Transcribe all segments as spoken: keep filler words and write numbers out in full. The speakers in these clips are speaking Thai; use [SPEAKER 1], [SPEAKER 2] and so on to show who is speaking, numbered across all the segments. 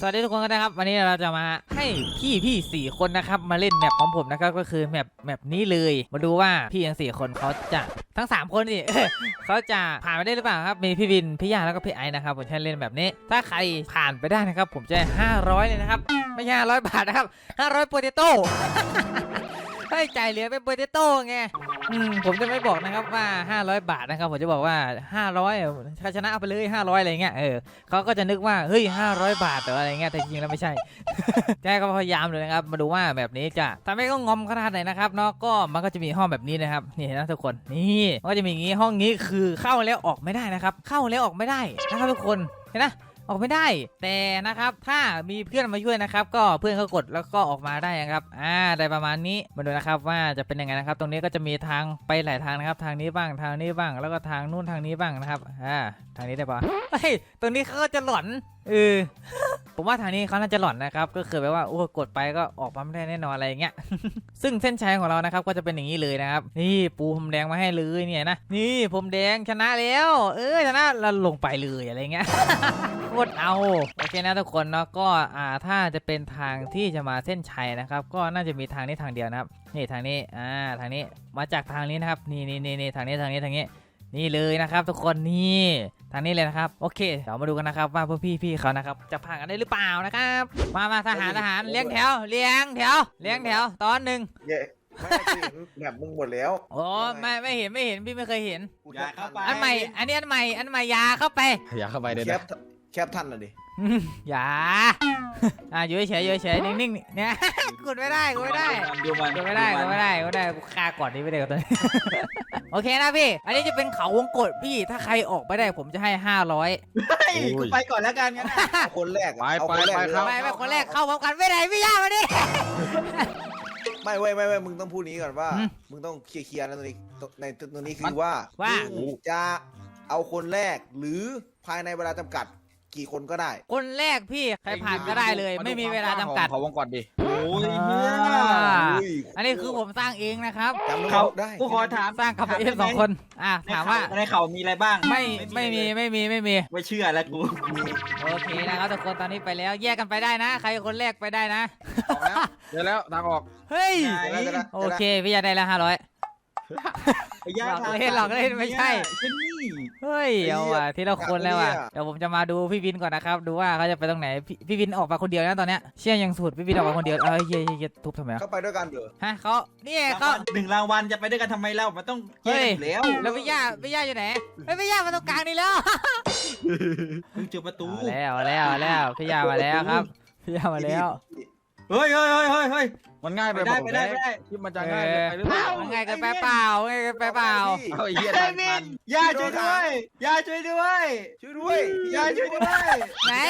[SPEAKER 1] สวัสดีทุกคนนะครับวันนี้เราจะมาให้พี่พี่สี่คนนะครับมาเล่นแมปของผมนะครับก็คือแมปแมปนี้เลยมาดูว่าพี่ทั้งสี่คนเขาจะทั้งสามคนนี่ เขาจะผ่านไปได้หรือเปล่าครับมีพี่วินพี่ยาแล้วก็พี่ไอนะครับผมใช้เล่นแบบนี้ถ้าใครผ่านไปได้นะครับผมจะห้าร้อยเลยนะครับไม่ใช่ห้าร้อยบาทนะครับห้าร้อยโปเตโต้ ให้จ่ายเหลือเป็นโปเตโต้ไงอืมผมจะไม่บอกนะครับว่าห้าร้อยบาทนะครับผมจะบอกว่าห้าร้อยถ้าชนะเอาไปเลยห้าร้อยอะไรเงี้ยเออเขาก็จะนึกว่าเฮ้ยห้าร้อยบาทหรืออะไรเงี้ยแต่จริงๆแล้วไม่ใช่ แกก็พยายามเลยนะครับมาดูว่าแบบนี้จะทำให้ก็งอมขนาดไหนนะครับเนาะก็มันก็จะมีห้องแบบนี้นะครับนี่นะทุกคนนี่มันก็จะมีอย่างงี้ห้องนี้คือเข้าแล้วออกไม่ได้นะครับเข้าแล้วออกไม่ได้นะครับทุกคนเห็นนะออกไม่ได้แต่นะครับถ้ามีเพื่อนมาช่วยนะครับก็เพื่อนเขากดแล้วก็ออกมาได้นะครับอ่าได้ประมาณนี้มาดูนะครับว่าจะเป็นยังไงนะครับตรงนี้ก็จะมีทางไปหลายทางนะครับทางนี้บ้างทางนี้บ้างแล้วก็ทางนู้นทางนี้บ้างนะครับอ่าทางนี้ได้ปะเฮ้ยตรงนี้เขาก็จะหลอนเออ ผมว่าทางนี้เขาน่าจะหลอนนะครับก็คือแบบว่าโอ้กดไปก็ออกมาไม่ได้แน่นอนอะไรอย่างเงี้ย ซึ่งเส้นชัยของเรานะครับก็จะเป็นอย่างนี้เลยนะครับนี่ปูพรมแดงมาให้เลยเนี่ยนะนี่พรมแดงชนะแล้วเออชนะเราลงไปเลยอะไรเงี้ย โคตรเอาโอเคนะทุกคนเนาะก็อ่าถ้าจะเป็นทางที่จะมาเส้นชัยนะครับก็น่าจะมีทางนี้ทางเดียวนะครับนี่ทางนี้อ่าทางนี้มาจากทางนี้นะครับนี่นี่นี่นี่ทางนี้ทางนี้ทางนี้นี่เลยนะครับทุกคนนี่ทางนี้เลยนะครับโอเคเดี๋ยวมาดูกันนะครับว่าพวกพี่พี่เขานะครับจะผ่านกันได้หรือเปล่านะครับมามาทหารทหารเลี้ยงแถวเลี้ยงแถวเลี้ยงแถวตอนหนึ่ง
[SPEAKER 2] ไม่เห็นแบบมึงหมดแล้ว
[SPEAKER 1] โอ้ไม่ไม่เห็นไม่เห็นพี่ไม่เคยเห็น
[SPEAKER 2] ยาเข้าไป
[SPEAKER 1] อันใหม่อันนี้อันใหม่อันใหม่ยาเข้าไป
[SPEAKER 3] ยาเข้าไปเดี๋ยวนะ
[SPEAKER 2] แคปท่านน่ะดิ
[SPEAKER 1] อย่าอ่ะอยู่เฉยอยู่เฉยนิ่งๆเนี่ยกดไม่ได้กดไม่ได้กดไม่ได้กดไม่ได้กดไม่ได้ฆ่าก่อนนี้ไม่ได้กับตัวนี้ โอเคนะพี่อันนี้จะเป็นเขาวงกตพี่ถ้าใครออกไปได้ผมจะให้ห้าร้อย
[SPEAKER 4] กูไปก่อนแล้วกันงั้น
[SPEAKER 2] คนแรก
[SPEAKER 3] ไปไปไปครับ
[SPEAKER 1] ไม่ไม่คนแรกเข้าพร้อมกันไม่ได้พี่ย่ามาดิ
[SPEAKER 2] ไม่เว้ยไม่เว้ยมึงต้องพูดนี้ก่อนว่ามึงต้องเคลียร์ๆนะตัวนี้ในตัวนี้คือว่าว่าจะเอาคนแรกหรือภายในเวลาจำกัดกี่คนก็ได้
[SPEAKER 1] คนแรกพี่ใครผ่านก็ได้เลยไม่มีเวลาจำกัด
[SPEAKER 3] ขอวงกดดิ
[SPEAKER 4] โอ้ยเนี่ย
[SPEAKER 1] อันนี้คือผมสร้างเองนะครับ
[SPEAKER 2] จำ
[SPEAKER 4] เขา
[SPEAKER 2] ได้
[SPEAKER 4] กูขอถาม
[SPEAKER 1] สร้างกับเอฟสองคนอ่ะถามว่า
[SPEAKER 4] ในเขามีอะไรบ้าง
[SPEAKER 1] ไม่ไม่มีไม่มีไม่มี
[SPEAKER 4] ไม่เชื่อแล้วกู
[SPEAKER 1] โอเคนะครับทุกคนตอนนี้ไปแล้วแยกกันไปได้นะใครคนแรกไปได้นะ
[SPEAKER 3] เดี๋ยวแล้วทางออก
[SPEAKER 1] เฮ้ยโอเคพี่ยาได้แล้วห้าร้อยหลอกเล่นหลอกเล่นไม่ใช่เฮ้ยเอาว่ะทีละคนแล้วอ่ะเดี๋ยวผมจะมาดูพี่วินก่อนนะครับดูว่าเขาจะไปตรงไหนพี่วินออกมาคนเดียวนะตอนเนี้ยเชี่ยยังสุดพี่วินออกมาคนเดียวเอ้ยเฮ้ยทุบทำไม
[SPEAKER 2] เขาไปด้วยกันเหรอ
[SPEAKER 1] ฮะเขานี่เขา
[SPEAKER 4] หนึ่งรางวัลจะไปด้วยกันทำไมเล่ามันต้องแยกแล้ว
[SPEAKER 1] แล้วพี่ย่าพี่ย่าอยู่ไหนพี่ย่ามาตรงกลางนี่แล้ว
[SPEAKER 4] เจอประตู
[SPEAKER 1] แล้วแล้วแล้วพี่ย่ามาแล้วครับพี่ย่ามาแล้ว
[SPEAKER 4] เฮ้ยเฮ้ยเฮ้ยเฮ้ย
[SPEAKER 3] มันง่ายไป
[SPEAKER 4] ได้ไปได้ไปได้
[SPEAKER 3] ที่มันจะง่ายไปหรือเปล่า
[SPEAKER 1] มันง่ายเกินไปเปล่าง่ายเกินไปเปล่า
[SPEAKER 3] เอาไอ้เหี้ยทัน
[SPEAKER 4] ย่าช่วยด้วยย่าช่วยด้วย
[SPEAKER 2] ช่วยด้วย
[SPEAKER 4] ย่าช่วยด้วย
[SPEAKER 1] ไหน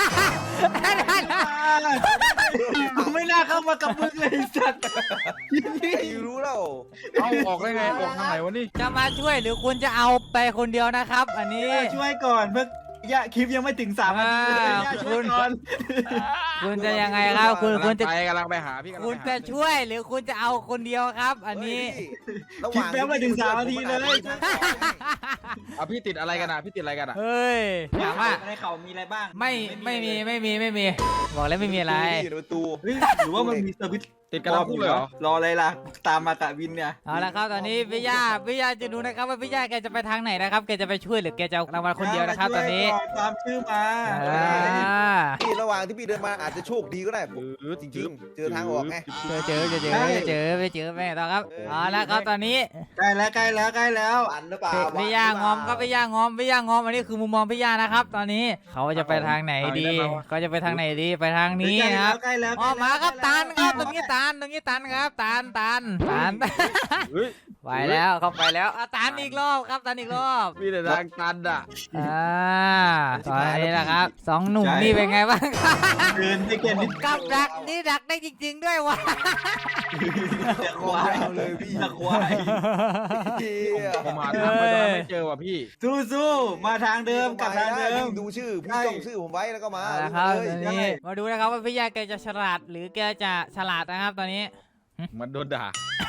[SPEAKER 4] กูไม่น่าเข้ามากับมึงเลยสัตว์
[SPEAKER 2] นี่รู้แล้ว
[SPEAKER 3] เอาออกได้ไงออกทางไหนวะนี่
[SPEAKER 1] จะมาช่วยหรือคุณจะเอาไปคนเดียวนะครับอันนี้
[SPEAKER 4] ช่วยก่อนเพื่อย่าคลิปยังไม่ถึงสามนาที
[SPEAKER 1] คุณคุณจะยังไงครับคุณคุณจะ
[SPEAKER 3] กำลังไปหาพี่
[SPEAKER 1] คุณจะช่วยหรือคุณจะเอาคนเดียวครับอันนี้
[SPEAKER 4] คลิปยังไม่ถึงสามนาทีเลย
[SPEAKER 3] เอาพี่ติดอะไรกันอ่ะพี่ติดอะไรกันอ่ะ
[SPEAKER 1] เฮ้ยถามว่า
[SPEAKER 4] ในเขามีอะไรบ้าง
[SPEAKER 1] ไม่ไม่มีไม่มีไม่มีบอกแล้วไม่มีอะไร
[SPEAKER 2] ประตู
[SPEAKER 4] หรือว่ามันมีเซอร์วิส
[SPEAKER 3] ติดกันแล้วพูดเลยเหรอ
[SPEAKER 4] รออะไรล่ะตามมาตะวินเนี่ย
[SPEAKER 1] เอาละครับตอนนี้พี่ย่าพี่ย่าจะดูนะครับว่าพี่ย่าแกจะไปทางไหนนะครับแกจะไปช่วยหรือแกจะรางวัลคนเดียวนะครับตอนนี้
[SPEAKER 4] ตามชื่อมา
[SPEAKER 2] ที่ระหว่างที่พี่เดินมาอาจจะโชคดีก็ได้จริงๆเจอทางออกไง
[SPEAKER 1] เจอเจอเจอเจอเจอไปเจอแม่ต่อครับเอาละครับตอนนี้
[SPEAKER 4] ใกล้แล้วใกล้แล้วใกล้แล้ว
[SPEAKER 2] อันหรือเปล่า
[SPEAKER 1] พี่ย่างอมก็พี่ย่างอมพี่ย่างอมอันนี้คือมุมมองพี่ย่านะครับตอนนี้เขาจะไปทางไหนดีเขาจะไปทางไหนดีไปทางนี้ครับอ๋อมาครับตันครับตรงนี้ตันตรงนี้ตันครับตันตันตันไปแล้วเข้าไปแล้วตันอีกรอบครับตันอีกรอบ
[SPEAKER 3] มีแต่ทางตันอ่ะ
[SPEAKER 1] อ่าตอนนี้แหละครับสองหนุ่มนี่เป็นไงบ้าง
[SPEAKER 4] เดินไปเกิน
[SPEAKER 1] กับดักนี่ดักได้จริงๆด้วยวะ
[SPEAKER 4] ควายเลยพี่ควาย
[SPEAKER 3] ผมหาทางไปไม่เจอว่ะพี่
[SPEAKER 4] สู้สู้มาทางเดิมกับทางเดิม
[SPEAKER 2] ดูชื่อพี่ต้องชื่อผมไว้แล้วก็มา
[SPEAKER 1] ครับนี่มาดูนะครับว่าพี่ยาแกจะฉลาดหรือแกจะฉลาดนะครับตอนนี้
[SPEAKER 3] มันโดนด่า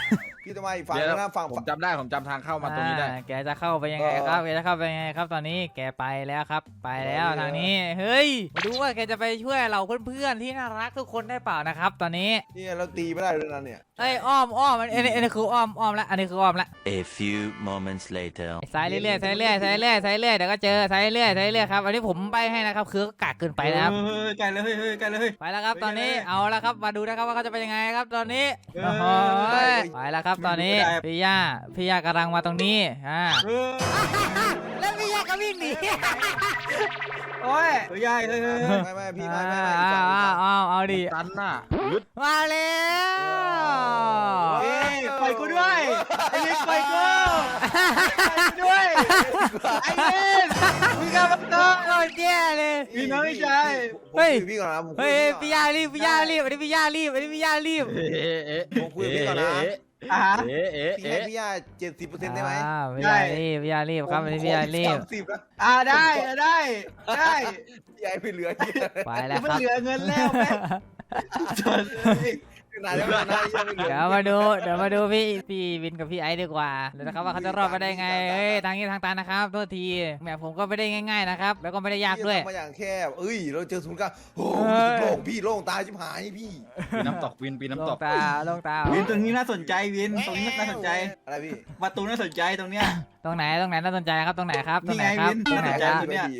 [SPEAKER 2] พี่จะมาอีกฝั่ง
[SPEAKER 3] เดี๋ยว
[SPEAKER 2] นึงนะฝั่ง
[SPEAKER 3] ผมจำได้ผมจำทางเข้ามาตรงนี้ได้
[SPEAKER 1] อ่าแกจะเข้าไปยังไงครับแกจะเข้าไปยังไงครับตอนนี้แกไปแล้วครับ ไปแล้วทางนี้เฮ้ยมาดูว่าแกจะไปช่วยเราเพื่อนๆที่น่ารักทุกคนได้เปล่านะครับ ตอนนี้
[SPEAKER 2] นี่เราตีไม่ได้เลยนะเนี่ย
[SPEAKER 1] เอ้ยอ้อมอ้อมอันนี้อันนี้คืออ้อมอ้อมละอันนี้คืออ้อมละ
[SPEAKER 5] A few moments later.
[SPEAKER 1] ซ้ายเรื่อยๆซ้ายเรื่อยๆซ้ายเรื่อยๆซ้ายเรื่อยๆเดี๋ยวก็เจอซ้ายเรื่อยๆซ้ายเรื่อยๆครับอันนี้ผมใบให้นะครับคือก็กากเกินไปนะครับ
[SPEAKER 4] เฮ้ยไกลเลยเฮ้ยไกลเลย
[SPEAKER 1] ไปแล้วครับตอนนี้เอาแล้วครับมาดูนะครับว่าเขาจะเป็นยังไงครับตอนนี้
[SPEAKER 4] เออ
[SPEAKER 1] โอ้โหไปแล้วครับตอนนี้พี่ย่าพี่ย่ากำลังมาตรงนี้อ่า
[SPEAKER 4] เออ
[SPEAKER 1] แล้วพี่ย่าก็วิ่งหนี
[SPEAKER 4] โอ้ยเฮ้ยเฮ้ยเฮ้ย
[SPEAKER 2] ไม่ไม่พี่ไม่ไม่
[SPEAKER 1] อ้าว
[SPEAKER 2] ไม่
[SPEAKER 1] อ้าวอ้าวเอาดิ
[SPEAKER 3] ตันน่ะยึด
[SPEAKER 1] มาแล้ว
[SPEAKER 4] เฮ้ยปล่อยกูด้วยไอ้เล็กปล่อยกูปล่อยกูด้วยไอ้เล็กมึงกลับมาต่อ
[SPEAKER 1] โอ้ยแย่เลย
[SPEAKER 4] พี่น้องไม่ใช่
[SPEAKER 2] เฮ้ยพี่ก่อนนะผมคุ
[SPEAKER 1] เฮ้
[SPEAKER 2] ย
[SPEAKER 1] ย
[SPEAKER 2] กับ
[SPEAKER 1] พี่
[SPEAKER 2] พี่ก่อน
[SPEAKER 1] ย่ารีบพี่ย่ารีบอันนี้พี่ย่ารีบอันนี้พี่ย่ารีบ
[SPEAKER 3] เอ๊ะเอ๊ะ
[SPEAKER 2] ผมคุยกับพี่ก่อนนะ
[SPEAKER 4] อ่ะ
[SPEAKER 3] เอ๊ะเอ๊ะ
[SPEAKER 2] พี่ให้
[SPEAKER 3] เอ๊ะ
[SPEAKER 2] พี่ย่าเจ็ดสิบเปอร์เซ็นต์ได้ไหม
[SPEAKER 1] อ่าพี่ย่ารีบพี่ย่ารีบครับอันนี้พี่ย่ารีบ
[SPEAKER 2] สามสิบนะ
[SPEAKER 4] อ่ะได้ได้ได้
[SPEAKER 2] พี่ย่าไม่เหลือเยอะ
[SPEAKER 1] ไปแล้ว
[SPEAKER 4] ไม่
[SPEAKER 1] ครับ
[SPEAKER 4] เหลือเงินแล้วแม่
[SPEAKER 2] นานแล้วนานแล้วยังไม่เหลือ
[SPEAKER 1] เดี๋ยวมาดูเดี๋ยวมาดูพี่พี่วินกับพี่ไอซ์ดีกว่าเดี๋ยวนะครับว่าเขาจะรอดมาได้ไงเฮ้ยทางนี้ทางตันนะครับโทษทีแหมผมก็ไม่ได้ง่ายๆนะครับแล้วก็ไม่ได้ยากด้วย
[SPEAKER 2] มาอย่างแคบเอ้ยเราเจอศูนย์กลางโอ้
[SPEAKER 1] เฮ้ย
[SPEAKER 2] โล่งพี่โล่งตายชิบหายพี่
[SPEAKER 3] ปีน้ำตกวินปี
[SPEAKER 1] ล
[SPEAKER 3] น้ำต
[SPEAKER 1] ง
[SPEAKER 3] ก
[SPEAKER 1] ตาลงตา
[SPEAKER 4] วินตรงนี้น่าสนใจวินตรงนี้น่าสนใจ
[SPEAKER 2] อะไรพี่
[SPEAKER 4] ประตูน่าสนใจตรงเนี้ย
[SPEAKER 1] ตรงไหนตรงไหนน่าสนใจครับตรงไหนครับตรงไหน
[SPEAKER 4] นี่ไง
[SPEAKER 1] ครับ
[SPEAKER 4] วิน
[SPEAKER 1] ตรงไหน
[SPEAKER 4] น่า
[SPEAKER 1] ค
[SPEAKER 4] สนใจ
[SPEAKER 1] รับ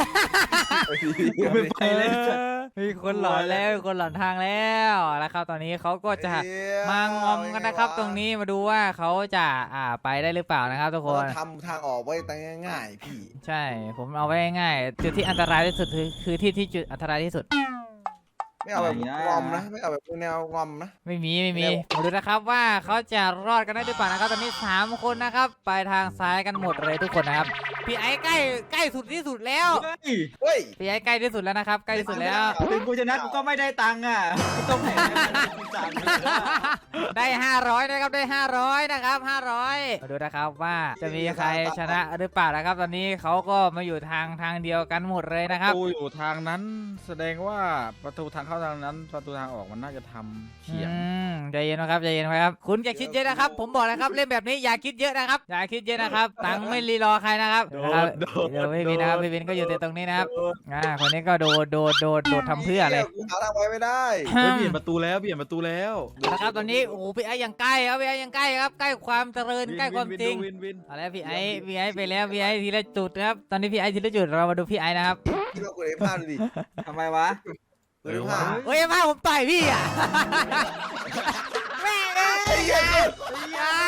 [SPEAKER 2] ไม่ดี
[SPEAKER 4] ไปเลย
[SPEAKER 1] มีคนหลอนแล้วมีคนหลอนทางแล้วแล้วครับตอนนี้เขาก็จะมางอมกันนะครับ ตรงนี้มาดูว่าเขาจะอ่าไปได้หรือเปล่านะครับทุกคน
[SPEAKER 2] ทำทางออกไว้ตั้งง่ายๆพี่
[SPEAKER 1] ใช่ผมเอาไว้ง่ายๆจุดที่อันตรายที่สุดคือคือที่ที่จุดอันตรายที่สุด
[SPEAKER 2] ไม่เอาแบบงอมนะไม่เอาแบบแนวงอมนะ
[SPEAKER 1] ไม่มีไม่มี
[SPEAKER 2] เร็ว
[SPEAKER 1] มาดูนะครับว่าเขาจะรอดกันได้หรือเปล่านะครับตอนนี้สามคนนะครับไปทางซ้ายกันหมดเลยทุกคนนะครับพี่ไอ้ใกล้ใกล้สุดที่สุดแล้ว
[SPEAKER 4] เฮ้ย
[SPEAKER 2] เฮ้ย
[SPEAKER 1] พี่ไอ้ใกล้ที่สุดแล้วนะครับใกล้ที่สุดแล้ว
[SPEAKER 4] ถึงกูชนะกูก็ไม่ได้ตังค์อ่ะกูต้องแข่งกันสามเลย
[SPEAKER 1] ได้ห้าร้อยนะครับได้ห้าร้อยนะครับห้าร้อยมาดูนะครับว่าจะมีใครชนะหรือเปล่านะครับ ตอนนี้เขาก็มาอยู่ทางทางเดียวกันหมดเลยนะค
[SPEAKER 3] ป
[SPEAKER 1] รับ
[SPEAKER 3] ระตูอยู่ทางนั้น แสดงว่าประตูทางเข้าทางนั้น ประตูทางออกมันน่าจะทำเฉียง
[SPEAKER 1] อืมใจเย็นนะครับใจเย็นนะครับคุณอย่าคิดเยอะนะครับ ผมบอกนะครับเล่นแบบนี้อย่าคิดเยอะนะครับอย่าคิดเยอะนะครับตังค์ไม่รีรอใครนะครับนะครับเดี๋ยวพี่วินนะครับพี่วินก็อยู่แต่ตรงนี้นะครับอ่าคนนี้ก็โดดโดดโดดโดดทำเพื่ออะไร
[SPEAKER 2] กูหาทางไปไม่ได้
[SPEAKER 3] เฮ้ยเปลี่ยนประตูแล้วเปลี่ยนประตูแล้ว
[SPEAKER 1] นะครับตอนนี้โอ้โหพี่ไอ้ยังใกล้ครับพี่ไอ้ยังใกล้ครับใกล้ความเจริญใกล้ความจริง
[SPEAKER 3] วินวิน
[SPEAKER 1] เอาแล้วพี่ไอ้พี่ไอ้ไปแล้วพี่ไอ้ทีละจุดนะครับตอนนี้พี่ไอ้ทีละจุดเรามาดูพี่ไอ้นะครับ
[SPEAKER 2] พี่เรากดไอ้ผ้าดูดิ
[SPEAKER 4] ทำไมวะ
[SPEAKER 2] กดไอ้ผ้า
[SPEAKER 1] เฮ้ยมาผมต่อยพี่อ่ะแม่เอ้ยอ่ะอ่ะ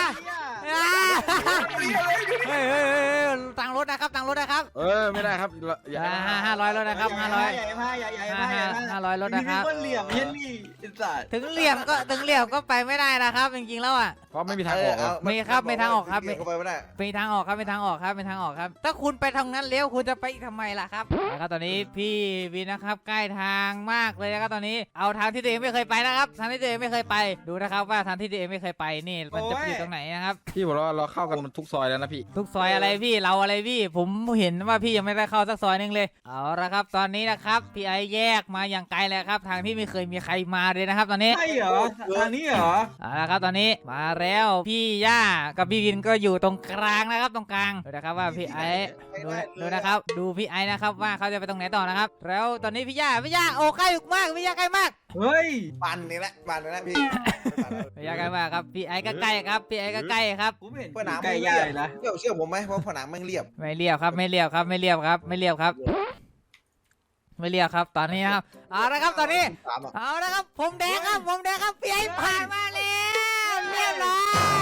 [SPEAKER 1] เฮ้ยเฮ้ยเฮ้ยตังรถนะครับตังรถนะครับ
[SPEAKER 3] เออไม่ได้ครับอย่า
[SPEAKER 1] อ่าห้าห้าร้อยรถนะครับห้าร้อย
[SPEAKER 4] ใหญ่ผ้าใหญ่ใหญ่ผ้าใหญ่
[SPEAKER 1] ห้าร้อยรถนะครับ
[SPEAKER 4] นี่เหลี่ยมเย็นนี่อิสระ
[SPEAKER 1] ถึงเหลี่ยมก็ถึงเหลี่ยมก็ไปไม่ได้นะครับจริงๆแล้วอ่ะ
[SPEAKER 3] เพราะไม่มีทางออกอะ
[SPEAKER 1] มีครับมีทางออกครับ
[SPEAKER 2] เเข้าไปไม่ได้
[SPEAKER 1] มีทางออกครับมีทางออกครับมีทางออกครับ ถ้าคุณไปทางนั้นเลี้ยวคุณจะไปอีกทำไมล่ะครับนะครับตอนนี้พี่วินนะครับใกล้ทางมากเลยนะครับตอนนี้เอาทางที่ตัวเองไม่เคยไปนะครับทางที่ตัวเองไม่เคยไปดูนะครับว่าทางที่ตัวเองไม่เคยไปนี่มันจะอยู่ตรงไหนนะครับ
[SPEAKER 3] พี่บอกว่าเราเข้ากันมันทุกซอยแล้วนะพี่
[SPEAKER 1] ทุกซอยอะไรพี่เราอะไรพี่ผมเห็นว่าพี่ยังไม่ได้เข้าสักซอยนึงเลยเอาละครับตอนนี้นะครับพี่ไอแยกมาอย่างไกลเลยครับทางที่ไม่เคยมีใครมาเลยนะครับ ตอนนี้
[SPEAKER 4] ใช่เหรอทางนี้เหรอ
[SPEAKER 1] เอาละครับตอนนี้มาแล้วพี่ย่ากับพี่วินก็อยู่ตรงกลางนะครับตรงกลางดูนะครับว่าพี่ไอดูนะดูนะครับ ดูพี่ไอนะครับว่าเขาจะไปตรงไหนต่อนะครับ แล้วตอนนี้พี่ย่าพี่ย่าโอ้ใกล้มากพี่ย่าใกล้มาก
[SPEAKER 4] เฮ้ย
[SPEAKER 2] ปั่นนี่แหละปั่นนี่แหละพี่
[SPEAKER 1] พี่ย่าใกล้มากครับพี่ไอก็ใกล้ครับพี่ไอก็ใกล้ครับ
[SPEAKER 4] ผมเห็น
[SPEAKER 2] ผนัง
[SPEAKER 4] ใกล้
[SPEAKER 2] ไม่
[SPEAKER 4] ใหญ่
[SPEAKER 2] เรียบ
[SPEAKER 4] นะ
[SPEAKER 2] เชื่อเชื่อผมไหมว่าผนังมันเรียบ
[SPEAKER 1] ไม่เรียบครับไม่เรียบครับไม่เรียบครับไม่เรียบครับ ไม่เรียบครับตอนนี้นะครับเอาละครับตอนนี้
[SPEAKER 2] สามอ่ะ
[SPEAKER 1] เอาละครับผมแดงครับผมแดงครับพี่ไอผ่านมาแล้วเรียบร้อย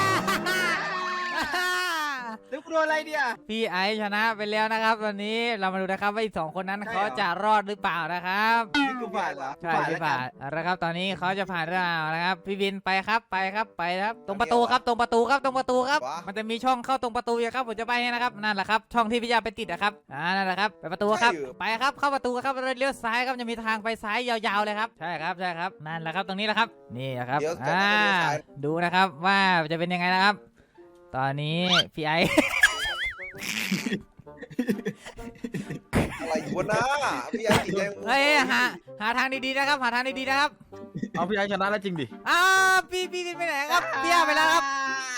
[SPEAKER 4] แล้วกูโดนอะไรเดีย
[SPEAKER 1] พี่ไอซ์ชนะไปแล้วนะครับตอนนี้เรามาดูนะครับว่าอีกสองคนนั้น
[SPEAKER 4] ใช่เหรอ
[SPEAKER 1] เขาจะรอดหรือเปล่านะครับ
[SPEAKER 4] นี่กูผ่านเหรอ
[SPEAKER 1] ใช่พี่ผ่านเอาละครับตอนนี้เขาจะผ่านหรือเปล่านะครับพี่วินไปครับไปครับไปครับ ตรงประตูครับตรงประตูครับตรงประตูครับ มันจะมีช่องเข้าตรงประตูอยู่ครับผมจะไปให้นะครับนั่นแหละครับช่องที่พี่ยาไปติดนะครับอ่านั่นแหละครับไปประตูครับไปครับเข้าประตูครับแล้วเลี้ยวซ้ายครับจะมีทางไปซ้ายยาวๆเลยครับใช่ครับใช่ครับนั่นแหละครับตรงนี้แหละครับนี่นะครับ
[SPEAKER 2] เดี๋ยวจะ
[SPEAKER 1] อ่า
[SPEAKER 2] เลี้ยวซ้าย
[SPEAKER 1] ดูนะครับว่าจะเป็นยังไงนะครับ ตอนนี้พี่ไอ
[SPEAKER 2] อะไรอยู่บนหน้าพี่ไอ้ติดใจ
[SPEAKER 1] เฮ้ยหาหาทางดีๆนะครับหาทางดีๆนะครับ
[SPEAKER 3] เอาพี่ไอชนะแล้วจริงดิ
[SPEAKER 1] อ้าวพี่พี่พี่ไปไหนครับพี่อาไปแล้วครับ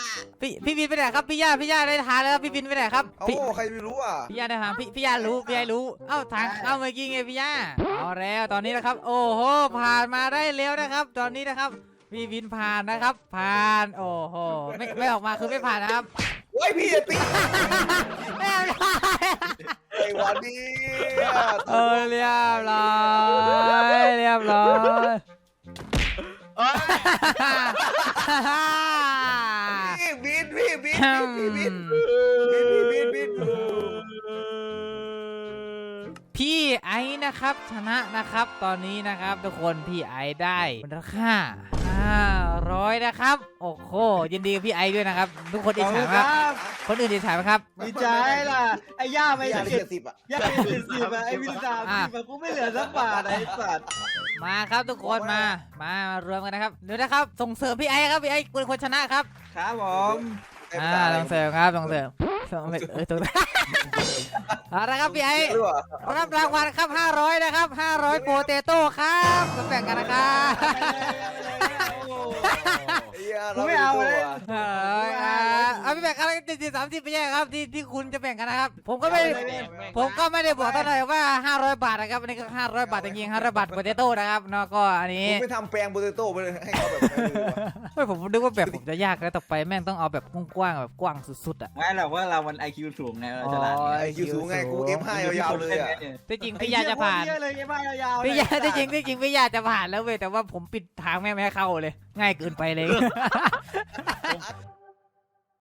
[SPEAKER 1] พี่พี่บินไปไหนครับพี่ย่าพี่ย่าได้ทานแล้วพี่บินไปไหนครับ
[SPEAKER 2] เอ้า
[SPEAKER 1] พี่
[SPEAKER 2] ใครไม่รู้อ่ะ
[SPEAKER 1] พี่ย่าได้ทานพี่พี่ย่ารู้พี่ย่ารู้เอ้าทางเข้าเมื่อกี้ไงพี่ย่าเอาแล้วตอนนี้นะครับโอ้โหผ่านมาได้แล้วนะครับ ตอนนี้นะครับพี่บินผ่านนะครับผ่านโอ้โหไม่ไม่ออกมาคือไม่ผ่านนะครับ
[SPEAKER 2] เฮ้ยพี่อย่าตี
[SPEAKER 1] ไม่เอาเลย
[SPEAKER 2] ไอ้วันนี้
[SPEAKER 1] เออเรียบร้อยเรียบร้อย
[SPEAKER 4] เอ้ย
[SPEAKER 2] พี่บินพี่บินพี่บินบินบินบิน
[SPEAKER 1] พี่ไอ้นะครับชนะนะครับตอนนี้นะครับทุกคนพี่ไอ้ได้มูลค่าห้าร้อยนะครับโอ้โหยินดีกับพี่ไอ้ด้วยนะครับทุกคน
[SPEAKER 4] ข
[SPEAKER 1] อิ
[SPEAKER 4] อ
[SPEAKER 1] จ
[SPEAKER 4] บคุ
[SPEAKER 1] ฉา
[SPEAKER 4] ณ
[SPEAKER 1] ไหม
[SPEAKER 4] ค
[SPEAKER 1] ครับ
[SPEAKER 4] รับ
[SPEAKER 1] คนอื่นอิจฉาไหมครับ
[SPEAKER 4] ดีใจล่ะไอ้ย่าไม่
[SPEAKER 2] พี่อย่า
[SPEAKER 4] ได้
[SPEAKER 2] เจ็ดสิบอ่ะ
[SPEAKER 4] ย่าไม่เจ็ดสิบอะไอ้วินสามสิบอะกูไม่เหลือสักบาทไอ้สัตว์
[SPEAKER 1] มาครับทุกคนมามามารวมกันนะครับเดี๋ยวนะครับส่งเสริมพี่ไอ้ครับพี่ไอ้เป็นคนชนะครับ
[SPEAKER 4] ครับผม
[SPEAKER 1] อ่าส่งเสริมครับส่งเสริมส่งเออถูกเอาละครับพี่ไอ้
[SPEAKER 2] หรือเปล่า
[SPEAKER 1] รับรางวัลครับห้าร้อยนะครับห้าร้อยโปเตโต้ครับมาแบ่งกันนะครับ
[SPEAKER 4] กูไม่เอาเลย
[SPEAKER 1] เอออ่าเอาพี่แบ่งกันเจ็ดสิบสามสิบไปแย่ครับที่ที่คุณจะแบ่งกันนะครับ ผมก็ไม่ผมก็ไม่ได้บอกตั้งแต่ว่าห้าร้อยบาทนะครับอันนี้ก็ห้าร้อยบาทจริงๆห้าร้อยบาทโปเตโต้นะครับเนาะก็อันนี้
[SPEAKER 2] ผมไม่ทำแปลงโปเตโต้ไปเลยให้เขาแบบนั้นเลยว่ะ
[SPEAKER 1] ไม่ผมนึกว่าแบบผมจะยากแล้วต่อไปแม่งต้องเอาแบบกว้างๆแบบกว้างสุดๆอ่ะ
[SPEAKER 4] ไม่หรอกว่าเรามันไอคิวสูงไงเราฉลาด
[SPEAKER 1] อ๋อ
[SPEAKER 2] ไอคิวสูงไงกูเอฟห้ายาวๆเลยอ่ะ
[SPEAKER 1] ที่จริงพี่ยาจะผ่าน
[SPEAKER 4] เยอะเลยไอ้บ้ายาวๆ
[SPEAKER 1] พี่ยาที่จริงที่จริงพี่ยาจะผ่านแล้วเว้ยแต่ว่าผมปิดทางแม่งไม่ให้เข้าเลย ง่ายเกินไปเลย